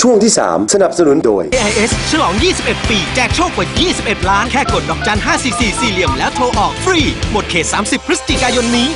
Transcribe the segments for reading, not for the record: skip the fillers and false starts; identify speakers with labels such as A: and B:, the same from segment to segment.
A: ช่วงที่ 3 สนับสนุนโดย
B: AIS ฉลอง 21 ปี แจกโชคกว่า 21 ล้าน แค่กดดอกจัน 544 สี่เหลี่ยมแล้วโทรออกฟรี หมดเขต 30 พฤศจิกายนนี้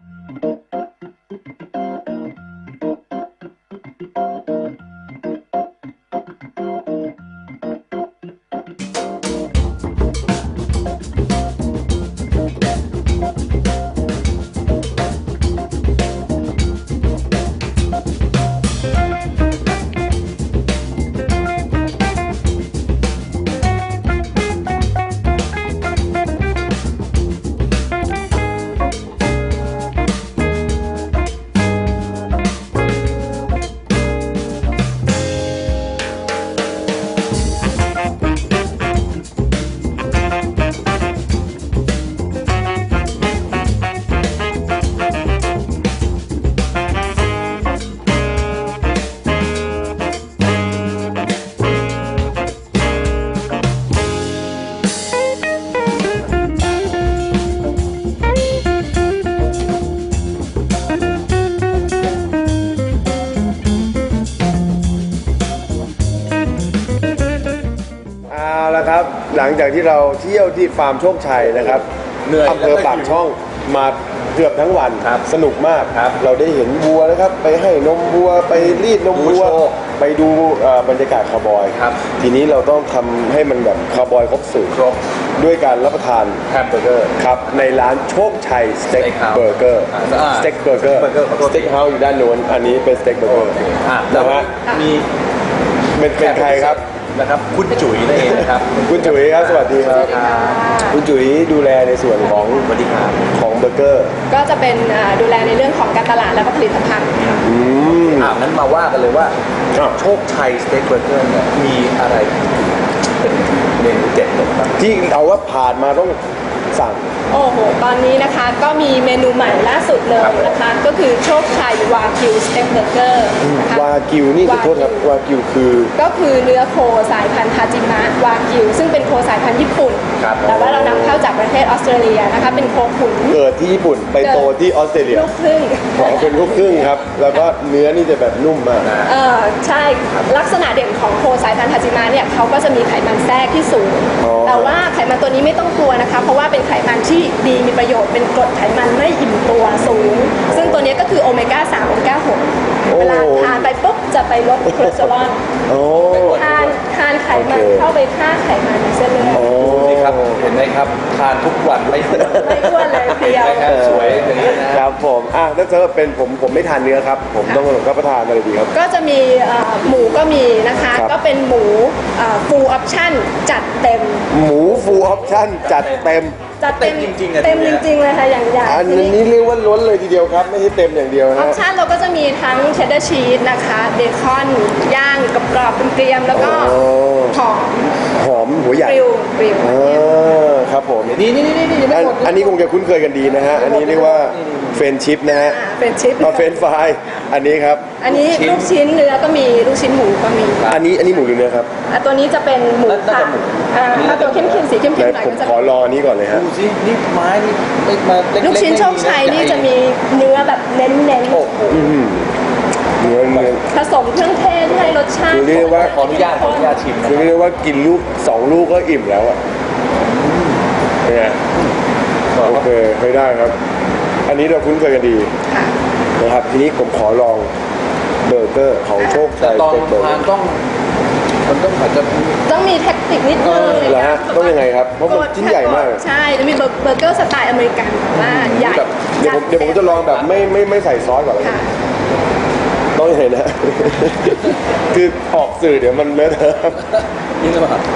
A: ครับหลังจากที่เราเที่ยวที่ฟาร์มโชคชัยนะครับอำเภอปากช่องมาเกือบทั้งวันสนุกมากเราได้เห็นวัวนะครับไปให้นมวัวไปรีดนมวัวไปดูบรรยากาศคาวบอยทีนี้เราต้องทำให้มันแบบคาวบอยครบสูตรด้วยการรับประทานแฮมเบอร์เกอร์ครับในร้านโชคชัยสเต็กเบอร์เกอร์สเต็กเบอร์เกอร์สเต็กเฮาส์อยู่ด้านโน้นอันนี้เป็นสเต็กเบอร์เกอร์นะฮะ
C: มี
A: เป็นใครครับ
C: นะครับคุณจุ๋ยนั่นเองนะครับ
A: คุณจุ๋ยครับสวัสดีครับคุณจุ๋ยดูแลในส่วนของ
C: สวัสดีครับ
A: ของเบอร์เกอร์
D: ก็จะเป็นดูแลในเรื่องของการตลาดและผลิตภัณฑ์
C: งั้นมาว่ากันเลยว่าโชคชัยสเต็กเบอร์เกอร์เนี่ยมีอะไรเป็นเมนูเด็ดบ้าง
A: ที่เอาว่าผ่านมาต้องสั่ง
D: โอ้โหตอนนี้นะคะก็มีเมนูใหม่ล่าสุดเลยนะคะก็คือโชคชัยวากิวสเต็กเบอร์เกอร์
A: วากิวนี่ขอโทษครับวากิว
D: ก็คือเนื้อโคสายพันธุ์ทาจิมะวากิวซึ่งเป็นโคสายพันธุ์ญี่ปุ่นแต่ว่าเรานำเข้าจากประเทศออสเตรเลียนะคะเป็นโคขุน
A: เกิดที่ญี่ปุ่นไปโตที่ออสเตรเลีย
D: ลูกครึ่ง
A: เป็นลูกครึ่งครับแล้วก็เนื้อนี่จะแบบนุ่มมาก
D: ใช่ลักษณะเด่นของโคสายพันธุ์ทาจิมะเนี่ยเขาก็จะมีไขมันแทรกที่สูงแต่ว่าไขมันตัวนี้ไม่ต้องกลัวนะคะเพราะว่าเป็นไขมันที่ดีมีประโยชน์เป็นกรดไขมันไม่อิ่มตัวสูงซึ่งตัวนี้ก็คือโอเมก้า3โอเมก้า6เวลาทานไปปุ๊บจะไปลดคอเลสเตอรอลทานไขมันเข้าไปฆ่าไขมันในเส้นเลือด
C: นี่ครับเห็นไหมครับทานทุกวันไม่อ้
D: วนเลยเพียว
C: สวยอย่างนี้
A: นะครับผมถ้าเจอเป็นผมไม่ทานเนื้อครับผมต้องรับประทานอะไรดีครับ
D: ก็จะมีหมูก็มีนะคะก็เป็นหมูฟูลออปชั่นจัดเต็ม
A: หมูฟูลออปชั่นจัดเต็ม
C: จริงๆ
D: เต็มจริงๆเลยค่ะอย่างใหญ่
A: อันนี้เรียกว่าล้นเลยทีเดียวครับไม่ใช่เต็มอย่างเดียวนะ
D: ออปชั่นเราก็จะมีทั้งเชดดาร์ชีสนะคะเบคอนย่างกรอบๆเกรียมแล้วก็ห
A: อมหัวใหญ่
D: กริล
A: ครับผม
C: นี่
A: อันนี้คงจะคุ้นเคยกันดีนะฮะอันนี้เรียกว่าเฟรนชิพนะฮะ
D: เฟรนชิพ
A: เฟรนฟรายอันนี้ครับ
D: อันนี้ลูกชิ้นเนื้อก็มีลูกชิ้นหมูก็มี
A: อันนี้หมูหรือเนื้อครับ
D: ตัวนี้จะเป็นหมูค่ะถ้าตัวเข้มๆสีเข้มๆหน่อย
A: ผมขอรอนี้ก่อนเลยฮะ
C: ดูสินี่ไม้นี่มา
D: ลูกชิ้นโชคชัยนี่จะมีเนื้อแบบเน้นเ
A: เนื้อ
D: ผสมเครื่องเทศให้รสชาติ
A: คือเรียกว่า
C: ขออนุญาตชิม
A: คือเรียกว่ากินลูก2ลูกก็อิ่มแล้วอ่ะเนี่ยโอเคไม่ได้ครับอันนี้เราคุ้นเคยกันดีนะครับทีนี้ผมขอลองเบอร์เกอร์ของโชคชัย
C: ตอนทานมันต้องอาจจะ
D: ต้องมีเทคนิคนิดนึง
A: เหรอฮะต้องยังไงครับเพราะมันชิ้นใหญ่มาก
D: ใช่จะมีเบอร์เกอร์สไตล์อเมริกันว่าใหญ่
A: เดี๋ยวผมจะลองแบบไม่ใส่ซอสก่อนเลยต้องยังไงนะคือออกสื่อเดี๋ยวมันเลอะเทอะ
C: ยิ่งจะมา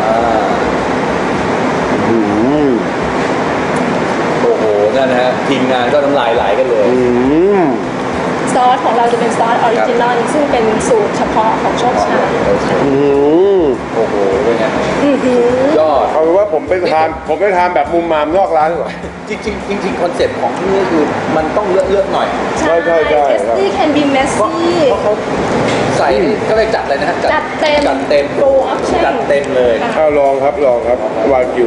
C: โอ้โหนั่นนะฮะทีมงานก็น้ำลายไหลกันเลย
D: ซอสของเราจะเป็นซอสออริจินอลซึ่งเป็นสูตรเฉพาะของโชคชัย
C: โอ้โหเป็นไง
A: ยอดเอาเป็นว่าผมไปทานแบบมุมมามนอกร้านก่อน
C: จริงคอนเซ็ปต์ของที่นี่คือมันต้องเลือกหน่อย
D: ใช่ tasty can be messy
C: เพราะเขาใส่ก็เลยจัดเลยนะฮะ
D: จัดเต็ม
C: จัดเต็มเลย
A: ลองครับวากิว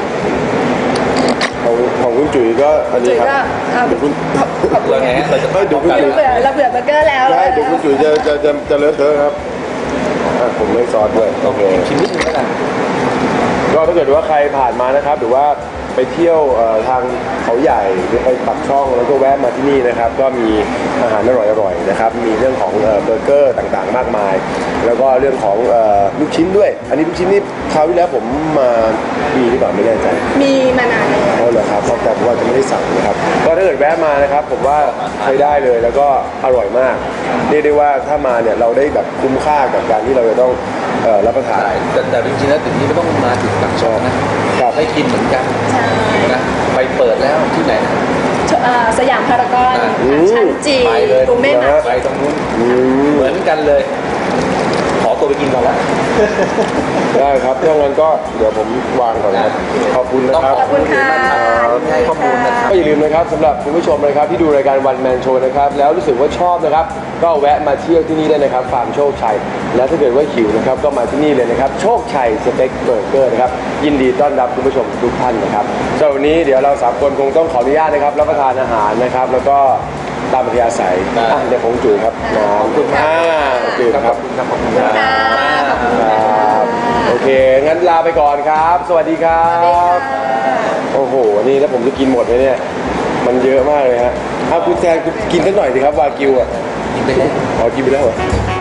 A: ของคุณจุ๋ยก็อันนี้ครับ
D: ขอบคุณ
C: ไงเราจะ
A: ดูคุณจุ๋ย
D: เราเบื่อเบอร์เกอร์แล้ว
A: ใช่ดูคุณจุ๋ยจะเลอะเทอะครับผมไม่ซอสด้วยโอเค
C: ชิมนิดนึงแล้วกัน
A: ก็ถ้าเกิดว่าใครผ่านมานะครับหรือว่าไปเที่ยวทางเขาใหญ่หรือไปปักช่องแล้วก็แวะมาที่นี่นะครับก็มีอาหารอร่อยๆนะครับมีเรื่องของเบอร์เกอร์ต่างๆมากมาย แล้วก็เรื่องของลูกชิ้นด้วย อันนี้ลูกชิ้นนี่คราวที่แล้วผมมามีหรือเปล่าไม่แน่ใจ
D: มีมานานแล้ว
A: เอาเหรอครับแต่ผมว่าจะไม่ได้สั่งนะครับก็ถ้าเกิดแวะมานะครับผมว่าใช้ได้เลยแล้วก็อร่อยมากเรียกได้ว่าถ้ามาเนี่ยเราได้แบบคุ้มค่ากับการที่เราจะต้องรับประทาน
C: แต่จริงๆแล้วถึงนี้ไม่ต้องมาถึงปากช่องนะครับให้กินเหมือนกัน
D: ใช่
C: นะไปเปิดแล้วที่ไหนนะ
D: สยามพารากอน
A: อืม
D: ชั้นจี
C: ไปเลย
D: ตูเม่มา
C: ไปตรงนู้นเหมือนกันเลย ขอตัวไปกินก่อนละ
A: ได้ครับถ้างั้นก็เดี๋ยวผมวางก่อนนะครับขอบคุณนะครับ
D: ขอบคุณค่ะ
C: ให้ข้อมูลนะครับ
A: ก็อย่าลืมนะครับสำหรับคุณผู้ชมนะครับที่ดูรายการวันแมนโชว์นะครับแล้วรู้สึกว่าชอบนะครับก็แวะมาเที่ยวที่นี่ได้นะครับฟาร์มโชคชัยและถ้าเกิดว่าหิวนะครับก็มาที่นี่เลยนะครับโชคชัยสเต็กเบอร์เกอร์นะครับยินดีต้อนรับคุณผู้ชมทุกท่านนะครับสำหรับวันนี้เดี๋ยวเราสามคนคงต้องขออนุญาตนะครับรับประทานอาหารนะครับแล้วก็ตามอัธยาศัยเดี๋ยวผมจุ๋ยครับน้อง
C: ขอบคุณมาก
A: จุ๋ยครับ
C: ขอบคุณครับ
D: ค่ะขอบคุณ
A: ค
D: ค่ะ
A: รับโอเคงั้นลาไปก่อนครับ สวัสดีครับ โอ้โห นี่แล้วผมจะกินหมดไหมเนี่ย มันเยอะมากเลยฮะคุณแทนคุณกินสักหน่อยสิครับวากิวอ่ะ
C: กินไปเลย
A: อ๋อกินไปแล้วเหรอ